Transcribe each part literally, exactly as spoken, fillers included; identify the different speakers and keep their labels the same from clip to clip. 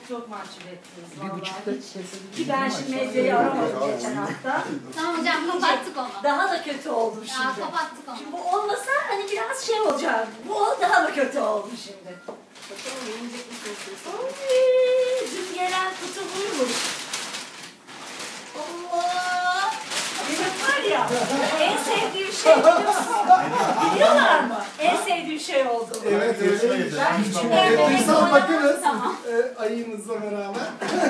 Speaker 1: çok mahcup ettiniz
Speaker 2: Bir
Speaker 1: vallahi.
Speaker 2: buçukta kesin.
Speaker 1: Ki ben şimdi medyayı aramadım geçen hafta.
Speaker 3: Tamam hocam kapattık onu.
Speaker 1: Daha da kötü oldum
Speaker 3: Ya
Speaker 1: şimdi.
Speaker 3: kapattık onu.
Speaker 1: Şimdi bu olmasa hani biraz şey olacak. Bu daha da kötü oldu şimdi. Bakalım yiyecek misiniz? Oy, dün gelen kutu buymuş. Allah! Benim var ya, en sevdiğim şey biliyorsun. Biliyorlar mı? En sevdiğim şey oldu.
Speaker 2: Evet öyleymiş.
Speaker 1: Ben hiç
Speaker 2: Evet,
Speaker 1: beğenmedim.
Speaker 2: Duysal bakınız.
Speaker 3: Tamam.
Speaker 2: E, ayımızla beraber.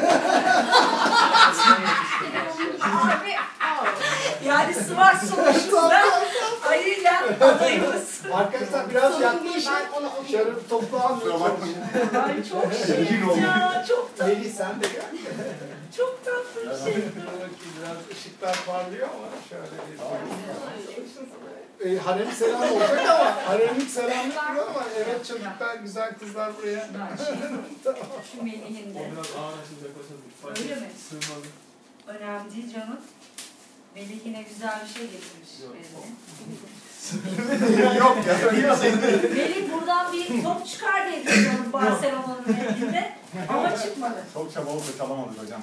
Speaker 3: Abi.
Speaker 1: Yani smart sonuçta ayıyla adayımız.
Speaker 2: Arkadaşlar biraz yaklaşık.
Speaker 3: Ben onu
Speaker 2: Şöyle bir toplu almıyorum.
Speaker 1: Ay çok şirin ya, çok tatlı,
Speaker 2: Melih sen de gel.
Speaker 1: çok tatlı bir şey.
Speaker 2: Dur bakayım, biraz ışıklar parlıyor ama şöyle bir... E, harem selam olacak ama haremlik selam yok ama evet çocuklar, güzel kızlar buraya.
Speaker 1: Tamam. Şu Melih'in de.
Speaker 4: Biraz ağır açılacak olsa
Speaker 1: Öyle mi?
Speaker 4: sığmadı.
Speaker 1: Önemli değil canım. Melih yine güzel bir şey getirmiş
Speaker 4: Yok.
Speaker 1: eline.
Speaker 2: Yok ya öyle bir şey değil.
Speaker 1: Melih buradan bir top çıkar diye düşünüyorum Barcelona'nın elinde. Ama çıkmadı.
Speaker 5: Çok çaba oldu çalamadık hocam.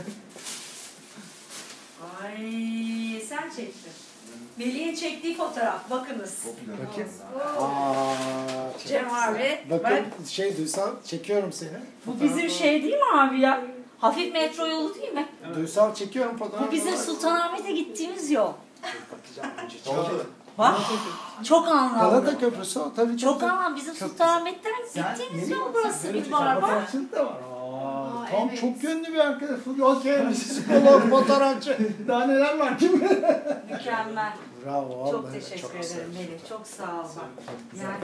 Speaker 1: Ay sen çektin. Melih'in çektiği fotoğraf. Bakınız.
Speaker 2: Bakayım.
Speaker 1: Oo.
Speaker 2: Aa,
Speaker 1: Cem abi.
Speaker 2: bakın
Speaker 1: Bak,
Speaker 2: şey Duysal çekiyorum seni.
Speaker 1: bu bizim şey değil mi abi ya? Hafif metro yolu değil mi?
Speaker 2: Duysal çekiyorum fotoğrafı.
Speaker 1: Bu bizim Sultanahmet'e gittiğimiz yol.
Speaker 2: Bakacağım önce.
Speaker 5: Oldu.
Speaker 1: Bak çok anlamlı.
Speaker 2: Galata Köprüsü o tabii
Speaker 1: Çok
Speaker 2: çok.
Speaker 1: anlamlı. Bizim Sultanahmet'ten gittiğimiz yol burası bir var bak.
Speaker 2: Fotoğrafçılık da var. Aa,
Speaker 3: Aa,
Speaker 2: tam
Speaker 3: evet.
Speaker 2: çok yönlü bir arkadaş. Okey, psikolog, fotoğrafçı. Daha neler var kim?
Speaker 1: Mükemmel.
Speaker 2: Bravo.
Speaker 1: Çok
Speaker 2: vallahi
Speaker 1: teşekkür
Speaker 2: çok güzel.
Speaker 1: ederim Melih. Çok sağ ol. bak. Yani